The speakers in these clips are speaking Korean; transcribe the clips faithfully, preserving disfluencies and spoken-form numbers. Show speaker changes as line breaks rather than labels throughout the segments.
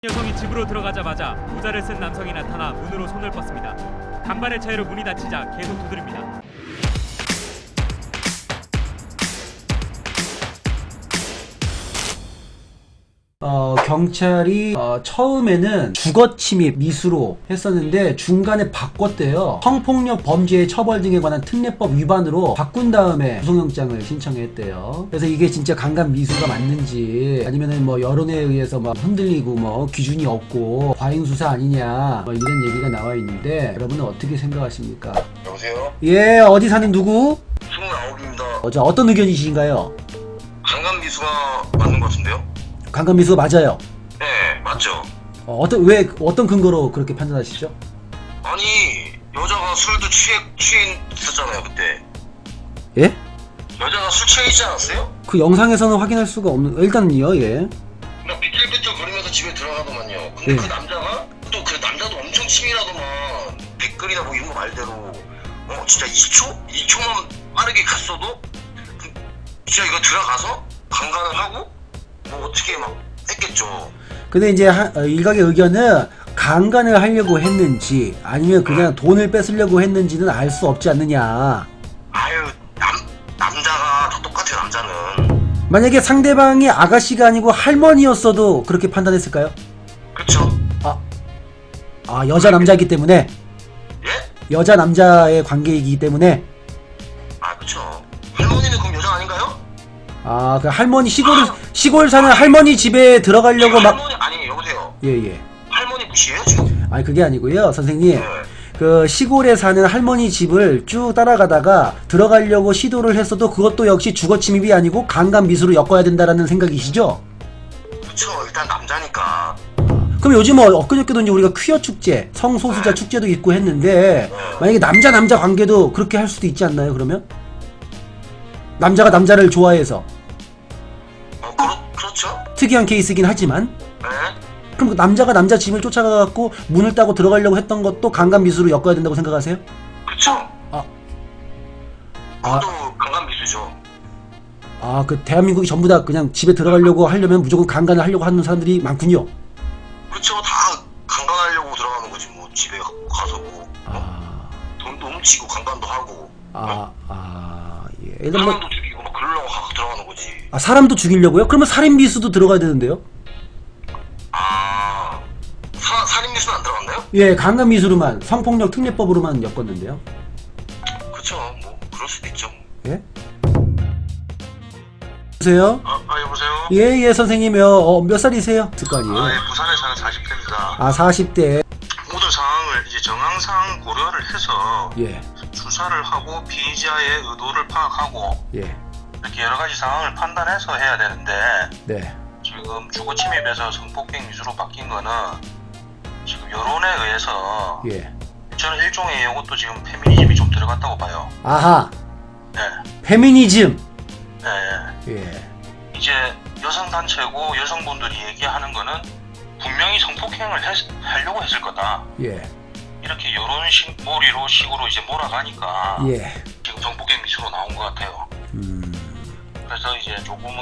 여성이 집으로 들어가자마자 모자를 쓴 남성이 나타나 문으로 손을 뻗습니다. 간발의 차이로 문이 닫히자 계속 두드립니다.
어, 경찰이 어, 처음에는 주거침입 미수로 했었는데 중간에 바꿨대요. 성폭력 범죄의 처벌 등에 관한 특례법 위반으로 바꾼 다음에 구속영장을 신청했대요. 그래서 이게 진짜 강간 미수가 맞는지 아니면은 뭐 여론에 의해서 막 흔들리고 뭐 기준이 없고 과잉 수사 아니냐 뭐 이런 얘기가 나와 있는데 여러분은 어떻게 생각하십니까?
여보세요?
예, 어디 사는 누구?
스물아홉입니다.
어, 자, 어떤 의견이신가요?
강간 미수가 맞는 것 같은데요?
강간 미수가 맞아요.
네, 맞죠.
어, 어떤 왜 어떤 근거로 그렇게 판단하시죠?
아니, 여자가 술도 취해, 취해 있었잖아요, 그때.
예?
여자가 술 취해 있지 않았어요?
그 영상에서는 확인할 수가 없는 일단은요. 예.
막 비틀비틀 거리면서 집에 들어가더만요. 근데
예.
그 남자가 또 그 남자도 엄청 치밀하더만. 댓글이나 뭐 이런 거 말대로 어 진짜 이 초? 이 초만 빠르게 갔어도 그, 진짜 이거 들어가서 강간을 하고 뭐 어떻게 막 했겠죠.
근데 이제 하, 어, 일각의 의견은 강간을 하려고 했는지 아니면 그냥 돈을 뺏으려고 했는지는 알 수 없지 않느냐.
아유, 남, 남자가 다 똑같아요, 남자는.
만약에 상대방이 아가씨가 아니고 할머니였어도 그렇게 판단했을까요?
그쵸?
아, 아 여자 남자이기 때문에
예?
여자 남자의 관계이기 때문에
아, 그쵸. 할머니는 그럼 여자 아닌가요?
아 그 할머니 시골 시골 사는 할머니 집에 들어가려고 막
할머니, 아니, 여보세요.
예예.
할머니 무시해요, 지금?
아니 그게 아니고요, 선생님.
네.
그 시골에 사는 할머니 집을 쭉 따라가다가 들어가려고 시도를 했어도 그것도 역시 주거침입이 아니고 강간 미수로 엮어야 된다라는 생각이시죠?
그쵸, 일단 남자니까.
그럼 요즘 뭐 엊그저께도 이제 우리가 퀴어 축제, 성소수자
네.
축제도 있고 했는데
네.
만약에 남자 남자 관계도 그렇게 할 수도 있지 않나요? 그러면 남자가 남자를 좋아해서
어, 그렇, 그렇죠?
특이한 케이스긴 하지만
네?
그럼 그 남자가 남자 집을 쫓아가갖고 문을 따고 들어가려고 했던 것도 강간 미수로 엮어야 된다고 생각하세요?
그쵸?
아,
그것도 강간 미수죠.
아, 그 대한민국이 전부 다 그냥 집에 들어가려고 하려면 무조건 강간을 하려고 하는 사람들이 많군요.
그쵸, 다 강간하려고 들어가는 거지, 뭐. 집에 가서 뭐.
아,
돈도 훔치고 강간도 하고.
아, 아, 예. 일단 뭐,
사람도 죽이고 막 그러려고 가- 들어가는 거지.
아, 사람도 죽이려고요? 그러면 살인 미수도 들어가야 되는데요?
아, 사, 살인 미수는 안 들어갔나요?
예, 강간 미수로만 성폭력 특례법으로만 엮었는데요.
그쵸, 뭐 그럴 수도 있죠.
예? 여보세요?
아, 아 여보세요?
예, 예, 선생님이요. 어, 몇 살이세요? 있을 거 아니에요?
아, 예, 부산에 사는 사십 대입니다.
아, 사십 대.
모든 상황을 이제 정황상 고려를 해서
예,
수사를 하고 피의자의 의도를 파악하고
예,
이렇게 여러 가지 상황을 판단해서 해야 되는데
네.
지금 주거 침입에서 성폭행 미수로 바뀐 거는 지금 여론에 의해서
예.
저는 일종의 이것도 지금 페미니즘이 좀 들어갔다고 봐요.
아하,
네,
페미니즘.
네.
예,
이제 여성 단체고 여성분들이 얘기하는 거는 분명히 성폭행을 했, 하려고 했을 거다.
예,
이렇게 여론식 몰이로 식으로 이제 몰아가니까
예.
지금 성폭행 미수로 나온 것 같아요.
음.
그래서 이제 조금은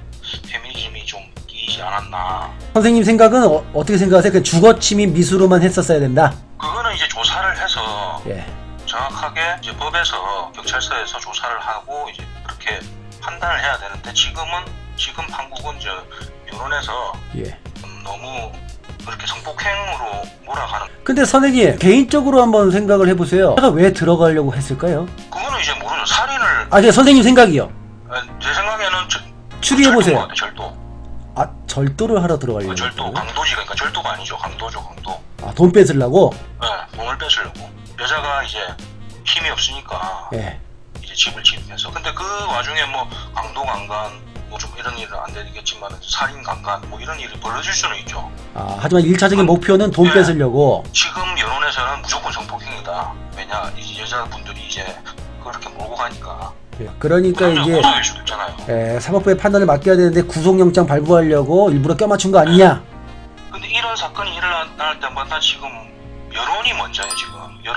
페미니즘이 좀 끼이지 않았나.
선생님 생각은 어, 어떻게 생각하세요? 그 주거침입 미수로만 했었어야 된다.
그거는 이제 조사를 해서
예.
정확하게 이제 법에서 경찰서에서 조사를 하고 이제 그렇게 판단을 해야 되는데 지금은 지금 한국은 이제 여론에서
예.
음, 너무 그렇게 성폭행으로 몰아가는.
근데 선생님 개인적으로 한번 생각을 해보세요. 제가 왜 들어가려고 했을까요?
그거는 이제 모르죠. 살인을
아, 제 선생님 생각이요.
제 생각에는 저,
추리해보세요.
절도인 것 같아요, 절도.
아, 절도를 하러 들어가려고
어, 절도,
했다고요?
강도지. 그러니까 절도가 아니죠. 강도죠, 강도.
아, 돈 뺏으려고?
네, 돈을 뺏으려고. 여자가 이제 힘이 없으니까
예.
이제 집을 침입해서. 근데 그 와중에 뭐 강도 강간 뭐 좀 이런 일은 안 되겠지만 살인 강간 뭐 이런 일이 벌어질 수는 있죠.
아, 하지만 일차적인 목표는 돈
예.
뺏으려고.
지금 여론에서는 무조건 성폭행이다. 왜냐, 이 여자분들이 이제 그렇게 몰고 가니까.
예. 그러니까 이게
고소일 수도 있잖아요.
예, 사법부의 판단을 맡겨야 되는데 구속영장 발부하려고 일부러 껴맞춘 거 아니냐?
근데 이런 사건이 일어날 때마다 지금 여론이 먼저예요. 지금 여론,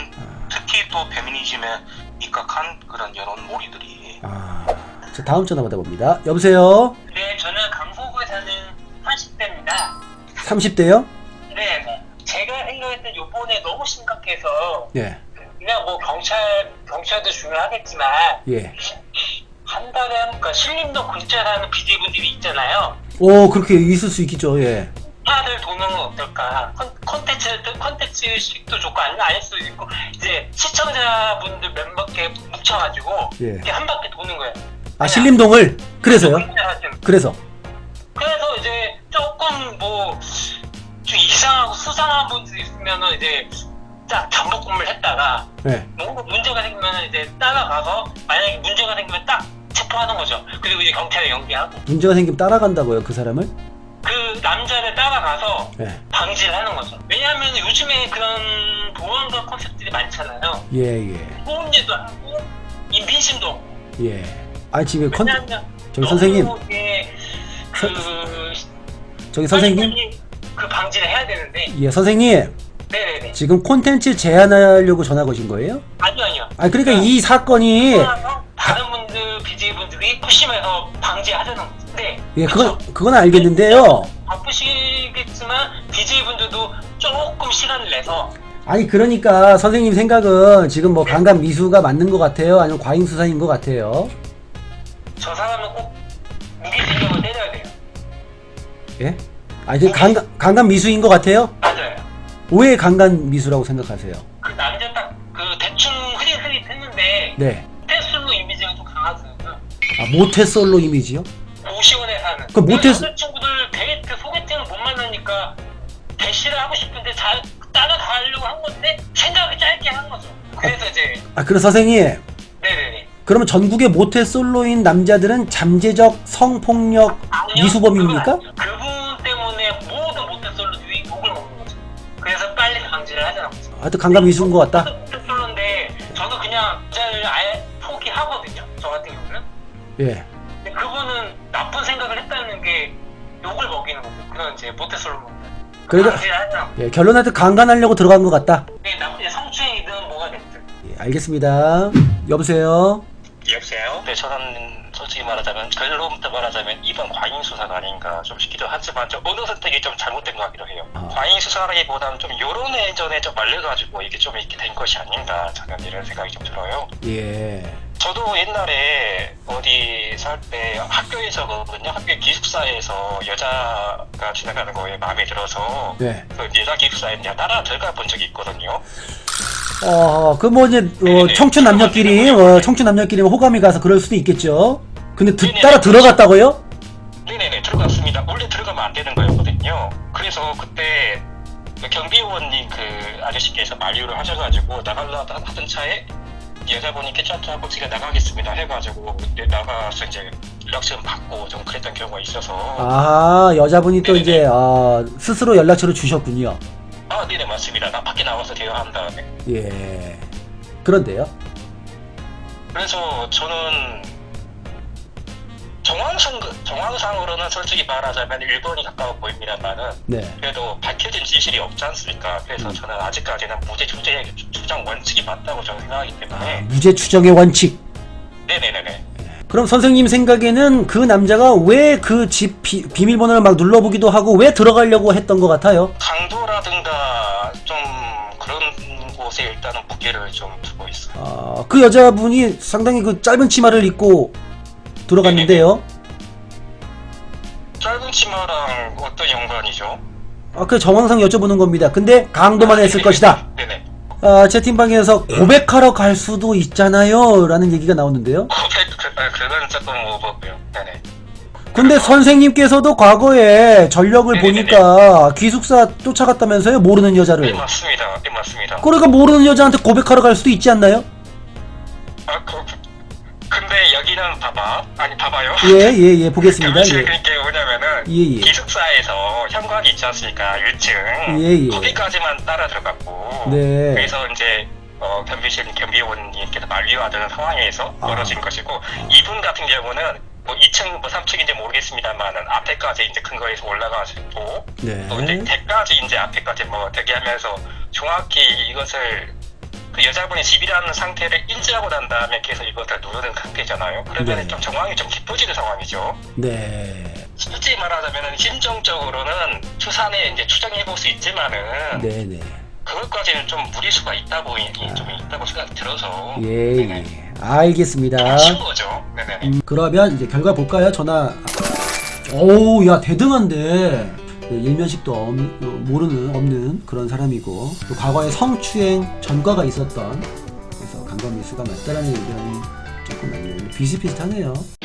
특히 또 페미니즘에 입각한 그런 여론 몰이들이.
아, 자, 다음 전화 받아봅니다. 여보세요?
네, 저는 강서구에 사는 사십 대입니다.
삼십 대요?
네. 제가 생각했던 요번에 너무 심각해서
예.
그냥 뭐 경찰 경찰도 중요하겠지만
예.
한 달에 한 그러니까 신림동 근처에 사는 비제분들이 있잖아요.
오, 그렇게 있을 수 있겠죠. 예.
하나들 도는 건 어떨까? 컨- 컨텐츠도 컨텐츠식도 좋고 아니면 아닐 수도 있고 이제 시청자분들 몇몇 개 뭉쳐가지고
예.
이렇게 한 바퀴 도는 거예요.
아, 신림동을? 그래서요?
그냥
그래서.
그래서 이제 조금 뭐 좀 이상하고 수상한 분들이 있으면은 이제 딱 잠복근무를 했다가
예.
뭔가 문제가 생기면 이제 따라가서 만약에 문제가 생기면 딱 체포하는 거죠. 그리고 이제 경찰에 연기하고
문제가 생기면 따라간다고요, 그 사람을?
그 남자를 따라가서
예.
방지를 하는 거죠. 왜냐하면 요즘에 그런 보안과 컨셉들이 많잖아요.
예, 예.
보험제도 하고 인빈심도 없고.
예. 아, 지금 컨,
왜냐하면
저기 선생님.
너무 이게 그
저기 선생님?
빨리 그 방지를 해야 되는데.
예, 선생님.
네네네.
지금 콘텐츠 제안하려고 전화 거신 거예요?
아니요 아니요.
아, 그러니까 이 사건이
다른 분들 비제이분들이 푸심해서 방지하자는 거죠. 네.
예,
그쵸?
그건 그건 알겠는데요.
바쁘시겠지만 비제이분들도 조금 시간을 내서
아니, 그러니까 선생님 생각은 지금 뭐 강간 미수가 맞는 것 같아요? 아니면 과잉 수사인 것 같아요?
저 사람은 꼭 무기징역을 때려야 돼요.
예? 아, 이제 강간 강간 미수인 것 같아요?
맞아요.
왜 강간 미수라고 생각하세요?
그 남자 딱 그 대충 흐릿흐릿 했는데
네.
테슬로 이미지가 좀 강하잖아요.
아, 모태솔로 이미지요?
고시원에 사는.
그 모태-
여자친구들 데이트 소개팅을 못 만나니까 대시를 하고 싶은데 잘 따라가려고 한 건데 생각이 짧게 한 거죠. 그래서 이제
아, 그럼 선생님.
네네네.
그러면 전국의 모태솔로인 남자들은 잠재적 성폭력
아니요,
미수범입니까?
그건 아니죠. 그분 때문에 모든 모태솔로들이 욕을 먹는 거죠. 그래서 빨리 방지를 하자는 거죠.
하여튼 강간 미수인 것 같다?
모태솔로인데 저는 그냥 여자를 아예 포기하거든요. 저 같은 경우는.
예.
근데 그분은 나쁜 생각을 했다는 게 욕을 먹이는 거죠. 그런 이제 모태솔로.
그러니까-
방지를 하자는 거죠.
예, 결론한테 강간하려고 들어간 것 같다?
네, 나쁜 성추행이든 뭐가 됐든.
예, 알겠습니다. 여보세요?
여보세요? 네, 저는 솔직히 말하자면 결론부터 말하자면 이번 과잉 수사가 아닌가 좀 싶기도 하지만 좀 어느 선택이 좀 잘못된 것 같기도 해요.
아.
과잉 수사라기보다는 좀 여론의전에 좀 말려가지고 이게 좀 이렇게 된 것이 아닌가 저는 이런 생각이 좀 들어요.
예.
저도 옛날에 어디 살 때 학교에서거든요. 학교 기숙사에서 여자가 지나가는 거에 마음에 들어서
네.
그 여자 기숙사에 그냥 따라 들어가 본 적이 있거든요.
어, 그 뭐 이제 어, 청춘 남녀끼리 어, 청춘 남녀끼리 호감이 가서 그럴 수도 있겠죠. 근데 드, 따라 들어갔다고요?
네네네 들어갔습니다. 원래 들어가면 안 되는 거였거든요. 그래서 그때 그 경비원님 그 아저씨께서 만류를 하셔가지고 나가려 하던 차에 여자분이 괜찮다고 제가 나가겠습니다 해가지고 그때 나가서 이제 연락처 받고 좀 그랬던 경우가 있어서
아, 여자분이 또 이제 어, 스스로 연락처를 주셨군요.
아 네네 맞습니다. 나 밖에 나와서 대화한 다음에
예. 그런데요?
그래서 저는 정황상, 정황상으로는 솔직히 말하자면 일 번이 가까워 보입니다만은
네.
그래도 밝혀진 지실이 없지 않습니까? 그래서
음.
저는 아직까지는 무죄 추정, 추정 원칙이 맞다고 저는 생각하기 때문에
아, 무죄 추정의 원칙.
네네네네.
그럼 선생님 생각에는 그 남자가 왜 그 집 비밀번호를 막 눌러보기도 하고 왜 들어가려고 했던 것 같아요?
강도라든가 좀 그런 곳에 일단은 무게를 좀 두고 있어요.
아, 그 여자분이 상당히 그 짧은 치마를 입고 들어갔는데요.
짧은 치마랑 어떤 연관이죠?
아, 그 정황상 여쭤보는 겁니다. 근데 강도만 했을
네네.
것이다.
네네.
아, 채팅방에서 고백하러 갈 수도 있잖아요 라는 얘기가 나오는데요.
고백, 그, 아, 그건 조금 오버고요. 네네.
근데 선생님께서도 과거에 전력을
네네네.
보니까 기숙사 쫓아갔다면서요? 모르는
네
여자를.
맞습니다. 네 맞습니다.
그러니까 모르는 여자한테 고백하러 갈 수도 있지 않나요?
아, 그, 근데 여기는 봐봐. 아니, 봐봐요.
예, 예, 예, 보겠습니다.
교무실
예.
그게 뭐냐면은,
예, 예.
기숙사에서 현관이 있지 않습니까? 일 층.
예, 예.
거기까지만 따라 들어갔고.
네.
그래서 이제, 어, 경비실 경비원님께서 만류하던 상황에서
아.
벌어진 것이고, 이분 같은 경우는, 뭐 이 층, 뭐 삼 층인지 모르겠습니다만은, 앞에까지 이제 근거에서 올라가시고,
네.
또 이제 대까지 이제 앞에까지 뭐 대기하면서 정확히 이것을 그 여자분이 집이라는 상태를 인지하고 난 다음에 계속 이것을 누르는 상태잖아요. 그러면
네.
좀 정황이 좀 깊어지는 상황이죠.
네.
솔직히 말하자면 심정적으로는 추산에 이제 추정해 볼 수 있지만은
네네.
그것까지는 좀 무리수가 있다 보이 좀 있다고 생각이 들어서
예,
네네.
예. 알겠습니다.
친 거죠. 네네.
음, 그러면 이제 결과 볼까요? 전화. 오우, 야, 대등한데. 그 일면식도 없, 어, 모르는, 없는 그런 사람이고, 또 과거에 성추행 전과가 있었던, 그래서 강간 미수가 맞다라는 의견이 조금 많네요. 비슷비슷하네요.